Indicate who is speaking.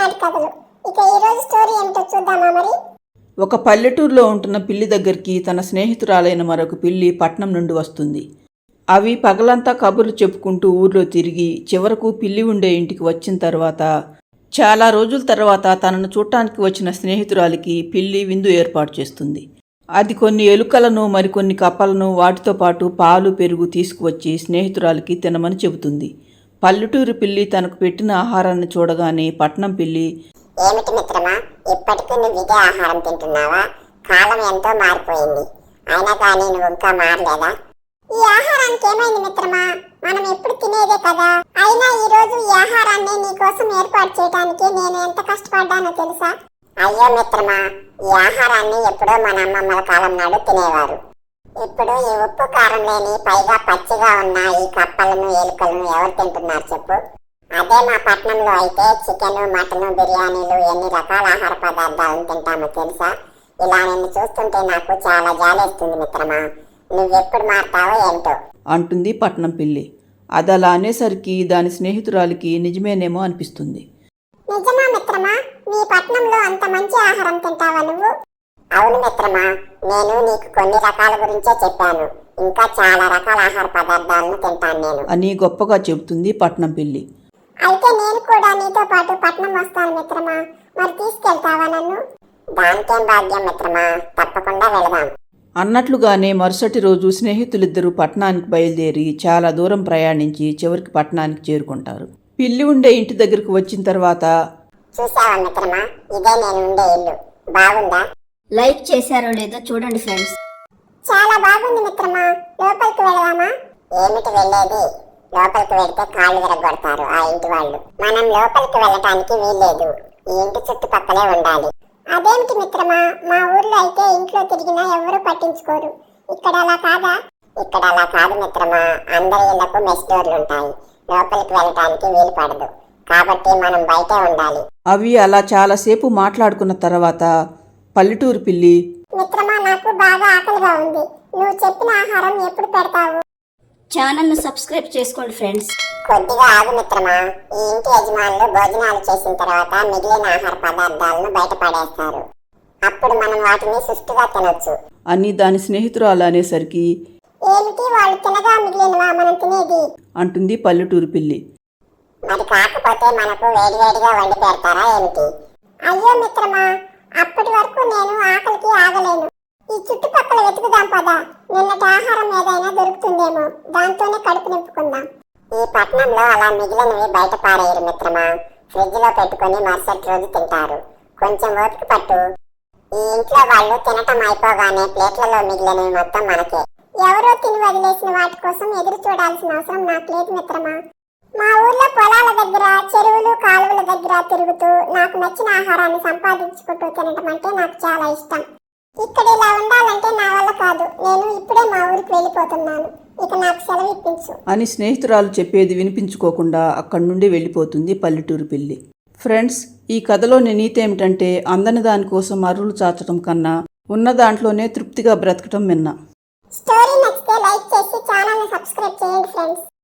Speaker 1: ఈనాటి కథలు. ఇక ఈ రోజు స్టోరీ ఏంటో చూద్దామా మరి.
Speaker 2: ఒక పల్లెటూరులో ఉంటున్న పిల్లి దగ్గరికి తన స్నేహితురాలైన మరొక పిల్లి పట్నం నుండి వస్తుంది. అవి పగలంతా కబుర్లు చెప్పుకుంటూ ఊర్లో తిరిగి చివరకు పిల్లి ఉండే ఇంటికి వచ్చిన తర్వాత చాలా రోజుల తర్వాత తనను చూడటానికి వచ్చిన స్నేహితురాలికి పిల్లి విందు ఏర్పాటు చేస్తుంది. అది కొన్ని ఎలుకలను మరికొన్ని కప్పలను వాటితో పాటు పాలు పెరుగు తీసుకువచ్చి స్నేహితురాలికి తినమని చెబుతుంది. పల్లెటూరు పిల్లి తనకు పెట్టిన ఆహారాన్ని చూడగానే పట్నం పిల్లి,
Speaker 3: ఏమిటి మిత్రమా, ఇప్పటికీ నువ్వు ఇదే ఆహారం తింటున్నావా? కాలం ఎంతో మారిపోయింది, అయినా కానీ నువ్వు ఇంకా మారలేదా?
Speaker 1: ఈ ఆహారానికి ఏమైంది మిత్రమా? మనం ఎప్పుడు తినేదే కదా. అయినా ఈ రోజు ఈ ఆహారాన్ని నీకోసం ఏర్పాటు చేయడానికి నేను ఎంత కష్టపడ్డానో తెలుసా?
Speaker 3: అయ్యో మిత్రమా, ఈ ఆహారాన్ని ఎప్పుడో మన అమ్మమ్మల కాలం నాడు తినేవారు. ఇప్పుడు ఈ ఉప్పు కారం లేని పైగా పచ్చిగా ఉన్న ఈ కప్పలను ఎలుకలను ఎవరు తింటున్నారు చెప్పు? అదే మా పట్నంలో అయితే చికెన్, మటన్, బిర్యానీలు ఎన్ని రకాల ఆహార పదార్థాలను తింటామో తెలుసా? ఇలా నిన్ను చూస్తుంటే నాకు చాలా జాలేస్తుంది మిత్రమా. నువ్వెప్పుడు మారుతావో ఏంటో
Speaker 2: అంటుంది పట్నం పిల్లి. అది అలా అనేసరికి దాని స్నేహితురాలికి నిజమేనేమో అనిపిస్తుంది.
Speaker 1: నిజమా మిత్రమా? మీ పట్నంలో అంత మంచి ఆహారం తింటావా నువ్వు?
Speaker 3: అవును మిత్రమా, నేను నీకు కొన్ని రకాల గురించే చెప్పాను. ఇంకా చాలా రకాల ఆహార పదార్థాలను తింటాను నేను
Speaker 2: అని గొప్పగా చెబుతుంది పట్నం పిల్లి.
Speaker 1: అయితే నేను కూడా నీతో పాటు పట్నం వస్తాను మిత్రమా. మరి తీసుకెళ్తావా నన్ను?
Speaker 3: దానికేం భాగ్యం మిత్రమా, తప్పకుండా వెళదాం.
Speaker 2: అన్నట్లుగానే మరుసటి రోజు స్నేహితులిద్దరూ పట్టణానికి బయలుదేరి చాలా దూరం ప్రయాణించి చివరికి పట్టణానికి చేరుకుంటారు. పిల్లి ఉండే ఇంటి దగ్గరకు వచ్చిన తర్వాత,
Speaker 3: చూసావా మిత్రమా, ఇదే నేను ఉండే ఇల్లు. బాగుందా?
Speaker 4: లైక్ చేశారో లేదో చూడండి ఫ్రెండ్స్.
Speaker 1: చాలా బాగుంది మిత్రమా. లోపలికి వెళదామా?
Speaker 3: ఏమిటి వెళ్ళేది? లోపలికి వెళ్తే కాళ్ళు విరగొడతారు ఆ ఇంటి వాళ్ళు. మనం లోపలికి వెళ్ళటానికి వీల్లేదు, ఈ ఇంటి చుట్టుపక్కలే ఉండాలి.
Speaker 1: అదేమిటి మిత్రమా, మా ఊర్లో అయితే ఇంట్లో తిరిగినా ఎవరు పట్టించుకోరు. ఇక్కడ అలా కాదా?
Speaker 3: ఇక్కడ అలా కాదు మిత్రమా, అందరి ఇళ్లకు మెస్ డోర్లు ఉంటాయి. లోపలికి వెళ్ళటానికి వీలు పడదు, కాబట్టి మనం బయటే ఉండాలి.
Speaker 2: అవి అలా చాలాసేపు మాట్లాడుకున్న తర్వాత పల్లెటూరు పిల్లి,
Speaker 1: మిత్రమా, నాకు బాగా ఆకలిగా ఉంది. నువ్వు చెప్పిన ఆహారం ఎప్పుడు పెడతావు?
Speaker 4: ఛానల్ను సబ్స్క్రైబ్ చేసుకోండి ఫ్రెండ్స్.
Speaker 3: కొద్దిగా ఆగు మిత్రమా. ఈ ఇంటి యజమానులు భోజనాలు చేసిన తర్వాత మిగిలిన ఆహార పదార్థాలను బయట పడేస్తారు. అప్పుడు మనం వాటిని సుష్టిగా తినొచ్చు
Speaker 2: అని దాని స్నేహితురాలు అనేసరికి,
Speaker 1: ఏమిటి వాళ్ళు తినగా మిగిలినవా మనం తినేది?
Speaker 2: అంటుంది పల్లెటూరు పిల్లి.
Speaker 3: మరి కాకపోతే మనకు వేడివేడిగా వండి పెడతారా ఏమిటి?
Speaker 1: అయ్యో మిత్రమా, అప్పటి వరకు నేను ఆకలికి ఆగలేను. ఈ చుట్టుపక్కల వెతుకుదాం పదా. నిన్నటి ఆహారం ఏదైనా దొరుకుతుందేమో, దాంతోనే కడుపు నింపుకుందాం.
Speaker 3: ఈ పట్నంలో అలా మిగిలినవి బయట పారేయరు మిత్రమా. ఫ్రిడ్జ్ లో పెట్టుకుని మరుసటి రోజు తింటారు. కొంచెం ఓపిక పట్టు. ఈ ఇంట్లో వాళ్ళు తినటం అయిపోగానే ప్లేట్లలో మిగిలినవి మొత్తం మనకే.
Speaker 1: ఎవరో తిని వదిలేసిన వాటి కోసం ఎదురు చూడాల్సిన అవసరం నాకు లేదు మిత్రమా. మా ఊర్లో పొలాల దగ్గర, చెరువులు, కాలువల దగ్గర తిరుగుతూ నాకు నచ్చిన ఆహారాన్ని సంపాదించుకుంటూ తినటం అంటే నాకు చాలా ఇష్టం. ఇక్కడ ఇలా ఉండాలంటే నా వల్ల కాదు. నేను ఇప్పుడే మా ఊరికి వెళ్ళిపోతున్నాను. ఇక నాకు సెలవు ఇప్పించు
Speaker 2: అని స్నేహితురాలు చెప్పేది వినిపించుకోకుండా అక్కడి నుండి వెళ్ళిపోతుంది పల్లెటూరు పిల్లి. ఫ్రెండ్స్, ఈ కథలోని నీతి ఏమిటంటే అందని దానికోసం అర్రులు చాచడం కన్నా ఉన్న దాంట్లోనే తృప్తిగా బ్రతకటం మిన్న.
Speaker 1: స్టోరీ నచ్చితే లైక్ చేసి ఛానల్ని సబ్స్క్రైబ్ చేయండి ఫ్రెండ్స్.